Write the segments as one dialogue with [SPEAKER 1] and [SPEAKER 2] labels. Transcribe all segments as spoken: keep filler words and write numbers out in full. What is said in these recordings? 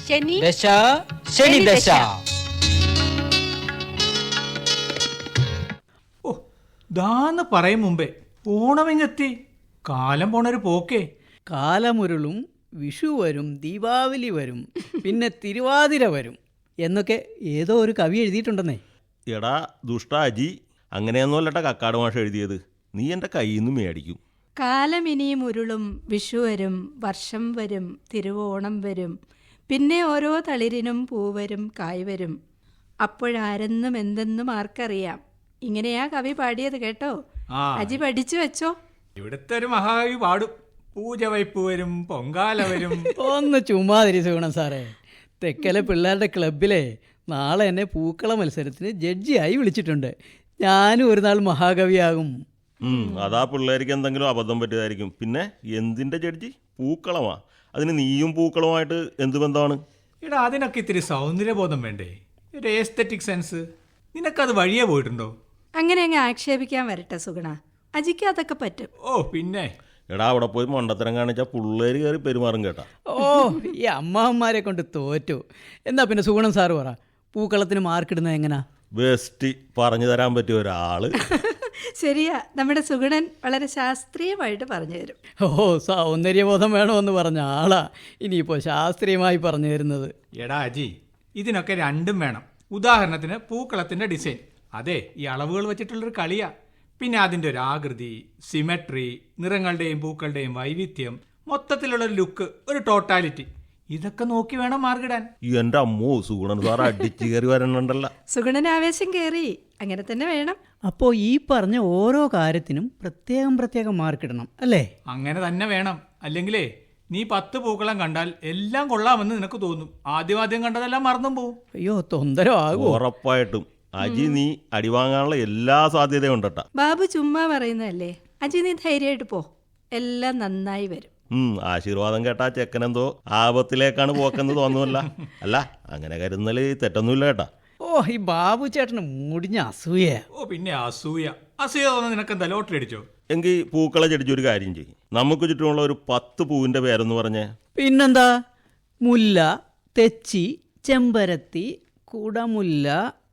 [SPEAKER 1] ശനി
[SPEAKER 2] ദശ ശനി ദശ.
[SPEAKER 3] ഓ ദാന്ന് പറയും മുമ്പേ ഓണമെങ്ങെത്തി. കാലം പോണൊരു പോക്കേ.
[SPEAKER 4] കാലമുരുളും, വിഷു വരും, ദീപാവലി വരും, പിന്നെ തിരുവാതിര വരും എന്നൊക്കെ ഏതോ ഒരു കവി എഴുതിയിട്ടുണ്ടെന്നേ.
[SPEAKER 5] എടാ ദുഷ്ടാജി, അങ്ങനെയൊന്നുമല്ലട്ടാ കക്കാട് മാഷ് എഴുതിയത്. നീ എൻ്റെ കയ്യിൽ നിന്ന് മേടിക്കും.
[SPEAKER 1] കാലം ഇനിയും ഉരുളും, വിഷു വരും, വർഷം വരും, തിരുവോണം വരും, പിന്നെ ഓരോ തളിരിനും പൂവരും കായ് വരും, അപ്പോഴാരെന്നും എന്തെന്നും ആർക്കറിയാം. ഇങ്ങനെയാ കവി പാടിയത് കേട്ടോ.
[SPEAKER 3] ആ
[SPEAKER 1] അജി പഠിച്ചു വെച്ചോ.
[SPEAKER 3] ഇവിടുത്തെ ഒരു മഹാകവി പാടും. പൂജ വയ്പ് വരും, പൊങ്കാല വരും.
[SPEAKER 4] ഒന്ന് ചുമ്മാതിരി സുഗുണം സാറേ. തെക്കലെ പിള്ളേരുടെ ക്ലബിലെ നാളെ എന്നെ പൂക്കള മത്സരത്തിന് ജഡ്ജിയായി വിളിച്ചിട്ടുണ്ട്. ഞാനും ഒരു നാൾ മഹാകവിയാകും.
[SPEAKER 5] അതാ പിള്ളേർക്ക് എന്തെങ്കിലും അബദ്ധം പറ്റിയതായിരിക്കും. പിന്നെ എന്തിൻ്റെ ജഡ്ജി? പൂക്കളമാ. അതിന് നീയും പൂക്കളമായിട്ട് എന്ത് ബന്ധമാണ്?
[SPEAKER 3] എടാ അതിനൊക്കെ ഇത്തിരി സൗന്ദര്യബോധം വേണ്ടേ, ഒരു എസ്തെറ്റിക് സെൻസ്. നിനക്കത് വഴിയേ പോയിട്ടുണ്ടോ?
[SPEAKER 1] അങ്ങനെ അങ്ങ് ആക്ഷേപിക്കാൻ വരട്ടെ സുഗുണ. അജിക്ക് അതൊക്കെ പറ്റും.
[SPEAKER 3] ഓ പിന്നെ
[SPEAKER 5] എടാ അവിടെ പോയി മണ്ടത്തരം കാണിച്ചാൽ പിള്ളേർ കയറി പെരുമാറും കേട്ടാ.
[SPEAKER 4] ഓ ഈ അമ്മാവന്മാരെ കൊണ്ട് തോറ്റു. എന്നാ പിന്നെ സുഗുണം സാറ് പറ, പൂക്കളത്തിന് മാർക്കിടുന്നത് എങ്ങനാ?
[SPEAKER 5] ബെസ്റ്റ് പറഞ്ഞു തരാൻ പറ്റിയ ഒരാള്.
[SPEAKER 1] ശരിയാ, നമ്മുടെ സുഗുണൻ വളരെ ശാസ്ത്രീയമായിട്ട് പറഞ്ഞു തരും.
[SPEAKER 4] ഓ സൗന്ദര്യബോധം വേണമെന്ന് പറഞ്ഞ ആളാ ഇനിയിപ്പോൾ ശാസ്ത്രീയമായി പറഞ്ഞു തരുന്നത്.
[SPEAKER 3] എടാ അജി, ഇതിനൊക്കെ രണ്ടും വേണം. ഉദാഹരണത്തിന് പൂക്കളത്തിൻ്റെ ഡിസൈൻ, അതെ ഈ അളവുകൾ വെച്ചിട്ടുള്ളൊരു കളിയാ. പിന്നെ അതിൻ്റെ ഒരു ആകൃതി, സിമെട്രി, നിറങ്ങളുടെയും പൂക്കളുടെയും വൈവിധ്യം, മൊത്തത്തിലുള്ളൊരു ലുക്ക്, ഒരു ടോട്ടാലിറ്റി, ഇതൊക്കെ നോക്കി വേണം മാർക്കിടാൻ.
[SPEAKER 5] എൻ്റെ അമ്മോ, സുഗുണൻ സാർ അടിച്ചു കയറി വരണുണ്ടല്ലോ.
[SPEAKER 1] സുഗുണൻ ആവേശം കയറി. അങ്ങനെ തന്നെ വേണം.
[SPEAKER 4] അപ്പോൾ ഈ പറഞ്ഞ ഓരോ കാര്യത്തിനും പ്രത്യേകം പ്രത്യേകം മാർക്കിടണം അല്ലേ?
[SPEAKER 3] അങ്ങനെ തന്നെ വേണം. അല്ലെങ്കിലേ നീ പത്ത് പൂക്കളം കണ്ടാൽ എല്ലാം കൊള്ളാമെന്ന് നിനക്ക് തോന്നും. ആദ്യം ആദ്യം കണ്ടതെല്ലാം മറന്നും പോവും.
[SPEAKER 4] അയ്യോ തൊന്തരം ആകുമോ?
[SPEAKER 5] ഉറപ്പായിട്ടും അജി നീ അടിവാങ്ങാനുള്ള എല്ലാ സാധ്യതയും ഉണ്ടട്ടാ.
[SPEAKER 1] ബാബു ചുമ്മാ പറയുന്നതല്ലേ. അജി നീ ധൈര്യമായിട്ട് പോ, എല്ലാം നന്നായി വരും.
[SPEAKER 5] ഉം ആശീർവാദം കേട്ടാ ചെക്കനെന്തോ ആപത്തിലേക്കാണ് പോക്കെന്ന് തോന്നുമല്ല. അല്ല അങ്ങനെ കരുതല് തെറ്റൊന്നുമില്ല കേട്ടാ.
[SPEAKER 4] ഓ ഈ ബാബു ചേട്ടന് മുടിഞ്ഞ അസൂയ.
[SPEAKER 3] ഓ പിന്നെ അസൂയ അസൂയ തോന്നുന്നു. നിനക്കെന്താ ലോട്ടറി അടിച്ചോ?
[SPEAKER 5] എങ്കിൽ പൂക്കളെ ചെടിച്ചൊരു കാര്യം ചെയ്യും. നമുക്ക് ചുറ്റുമുള്ള ഒരു പത്ത് പൂവിന്റെ പേരെന്ന് പറഞ്ഞേ.
[SPEAKER 4] പിന്നെന്താ? മുല്ല, തെച്ചി, ചെമ്പരത്തി, കുടമുല്ല,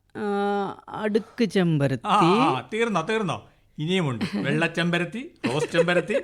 [SPEAKER 4] അടുക്ക് ചെമ്പരത്തി.
[SPEAKER 3] തീർന്നോ തീർന്നോ? ഇനിയുമുണ്ട്. വെള്ളച്ചെമ്പരത്തി, റോസ് ചെമ്പരത്തി.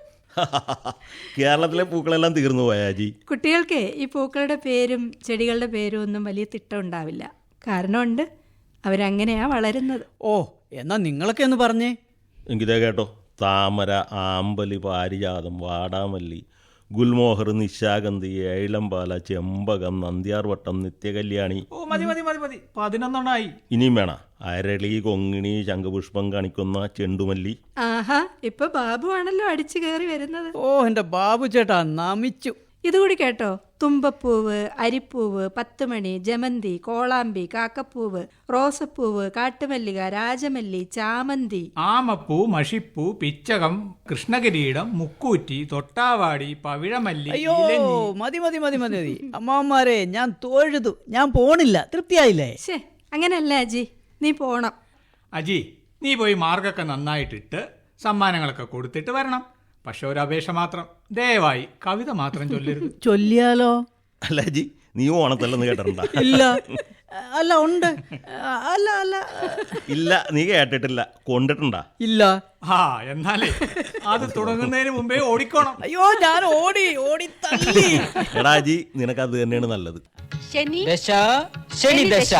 [SPEAKER 5] കേരളത്തിലെ പൂക്കളെല്ലാം തീർന്നു പോയാജി.
[SPEAKER 1] കുട്ടികൾക്ക് ഈ പൂക്കളുടെ പേരും ചെടികളുടെ പേരും ഒന്നും വലിയ തിട്ടം ഉണ്ടാവില്ല. കാരണമുണ്ട്, അവരങ്ങനെയാ വളരുന്നത്.
[SPEAKER 4] ഓ എന്നാ നിങ്ങളൊക്കെ ഒന്ന് പറഞ്ഞേ.
[SPEAKER 5] എങ്കിലേ കേട്ടോ. താമര, ആമ്പലി, പാരിജാതം, വാടാമല്ലി, ഗുൽമോഹർ, നിശാഗന്ധി, ഏഴംപാല, ചെമ്പകം, നന്ദ്യാർവട്ടം, നിത്യകല്യാണി.
[SPEAKER 3] ഓ മതി മതി മതി മതി പതിനൊന്നെണ്ണായി.
[SPEAKER 5] ഇനിയും വേണ? അരളി, കൊങ്ങിണി, ശംഖുപുഷ്പം കാണിക്കുന്ന ചെണ്ടുമല്ലി.
[SPEAKER 1] ആഹാ, ഇപ്പൊ ബാബു ആണല്ലോ അടിച്ചു കയറി വരുന്നത്.
[SPEAKER 4] ഓ എന്റെ ബാബു ചേട്ടാ നമിച്ചു.
[SPEAKER 1] ഇതുകൂടി കേട്ടോ. തുമ്പപ്പൂവ്, അരിപ്പൂവ്, പത്തുമണി, ജമന്തി, കോളാമ്പി, കാക്കപ്പൂവ്, റോസപ്പൂവ്, കാട്ടുമല്ലിക, രാജമല്ലി, ചാമന്തി,
[SPEAKER 3] ആമപ്പൂ, മഷിപ്പൂ, പിച്ചകം, കൃഷ്ണകിരീടം, മുക്കൂറ്റി, തൊട്ടാവാടി, പവിഴമല്ലി.
[SPEAKER 4] അയ്യോ മതി മതി മതി മതി മതി അമ്മാവന്മാരെ, ഞാൻ തൊഴുതു. ഞാൻ പോണില്ല. തൃപ്തിയായില്ലേ?
[SPEAKER 1] ശേ അങ്ങനല്ല അജി, നീ പോണം.
[SPEAKER 3] അജി നീ പോയി മാർഗൊക്കെ നന്നായിട്ടിട്ട് സമ്മാനങ്ങളൊക്കെ കൊടുത്തിട്ട് വരണം. പക്ഷെ ഒരു അപേക്ഷ മാത്രം, ദയവായി കവിത മാത്രം ചൊല്ലരുത്.
[SPEAKER 4] ചൊല്ലിയാലോ?
[SPEAKER 5] അല്ല അജി, നീ ഓണത്തല്ലെന്ന് കേട്ടിട്ടുണ്ടാ?
[SPEAKER 4] ഇല്ല. അല്ല ഉണ്ട്. അല്ല അല്ല
[SPEAKER 5] ഇല്ല, നീ കേട്ടിട്ടില്ല. കൊണ്ടിട്ടുണ്ടാ?
[SPEAKER 4] ഇല്ല.
[SPEAKER 3] ആ എന്നാലേ അത് തുടങ്ങുന്നതിന് മുമ്പേ ഓടിക്കോണം.
[SPEAKER 4] അയ്യോ ഞാൻ ഓടി ഓടി തള്ളി.
[SPEAKER 5] എടാ അജി, നിനക്ക് അത് തന്നെയാണ് നല്ലത്.
[SPEAKER 2] ശനി ദശ ശനി ദശ.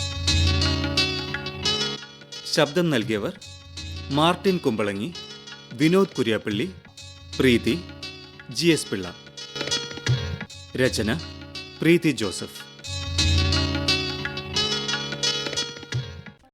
[SPEAKER 6] ശബ്ദം നൽകിയവർ Martin Kumbalangi, Vinod Kuriappally, Preethi, G S Pillai. രചന പ്രീതി ജോസഫ്.